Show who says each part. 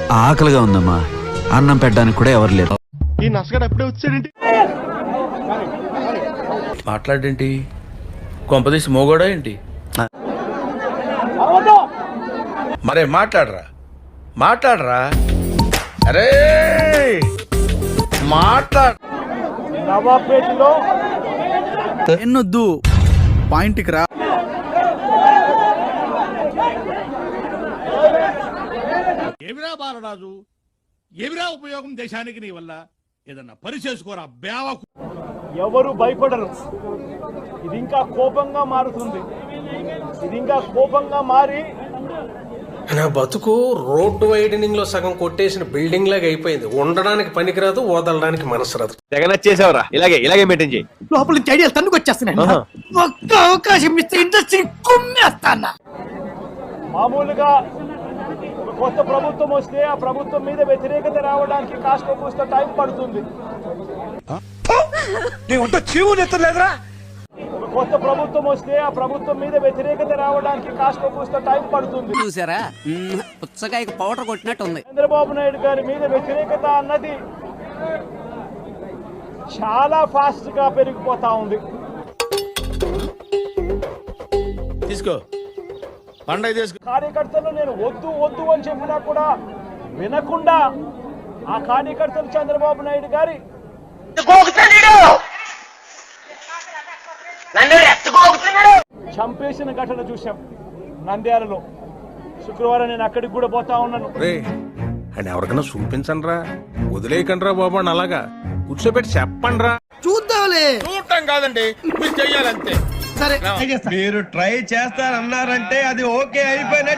Speaker 1: ఆకలిగా ఉందమ్మా, అన్నం పెట్టడానికి కూడా ఎవరు లేరు.
Speaker 2: ఈ నసగడ ఎప్పుడే వచ్చాడేంటి?
Speaker 3: మాట్లాడేంటి? కొంపదీసి మోగోడా ఏంటి? మరే మాట్లాడరా అరే మాట్లాడ.
Speaker 2: నవాబ్పేటలో
Speaker 4: ఎన్నొద్దు, పాయింట్కి రా.
Speaker 5: ఏమిరా బాలరాజు, ఏమిరా ఉపయోగం దేశానికి నీ వల్ల? ఏదన్నా పని చేసుకోరా బేవకు.
Speaker 2: ఎవరు భయపడరు. ఇది ఇంకా కోపంగా మారుతుంది. ఇది ఇంకా కోపంగా మారి
Speaker 6: నా బతుకు రోడ్డు వైడనింగ్ లో సగం కొట్టేసిన బిల్డింగ్ లాగా అయిపోయింది. ఉండడానికి పనికిరాదు, వదలడానికి మనసు రాదు.
Speaker 7: జగన్ వచ్చేసావరా, ఇలాగే మెయింటైన్ చేయి.
Speaker 4: లోపల నుంచి ఐడియాలు తన్నుకు వచ్చేస్తున్నాయి. ఒక్క అవకాశం ఇస్తే ఇండస్ట్రీ కుమ్మేస్తానా.
Speaker 2: మామూలుగా ఒక కొత్త ప్రభుత్వం వస్తే ఆ ప్రభుత్వం మీద వ్యతిరేకత రావడానికి కాస్త కూస్త టైం పడుతుంది. ఒక కొత్త ప్రభుత్వం వస్తే ఆ ప్రభుత్వం మీద వ్యతిరేకత రావడానికి కాస్త కూస్త టైం పడుతుంది.
Speaker 8: చూసారా, పుచ్చకాయకు పౌడర్ కొట్టినట్టు ఉంది.
Speaker 2: చంద్రబాబు నాయుడు గారి మీద వ్యతిరేకత అన్నది చాలా ఫాస్ట్ గా పెరిగిపోతా ఉంది.
Speaker 3: తీసుకో పండగ తీసుకో.
Speaker 2: కార్యకర్తలు నేను వద్దు అని చెప్పినా కూడా వినకుండా ఆ కార్యకర్తలు చంద్రబాబు నాయుడు గారి చంపేసిన ఘటన చూశాం నంద్యాలలో. శుక్రవారం నేను అక్కడికి కూడా పోతా ఉన్నాను.
Speaker 6: అండ్ ఎవరికైనా చూపించండి రా, వదిలేయకండి రా బాబు అని అలాగా కూర్చోబెట్టి చెప్పండి రా.
Speaker 4: చూద్దాంలే.
Speaker 3: చూడటం కాదండి, మీరు చెయ్యాలంతే.
Speaker 4: సరే,
Speaker 2: మీరు ట్రై చేస్తారన్నారంటే అది ఓకే అయిపోయినట్టు.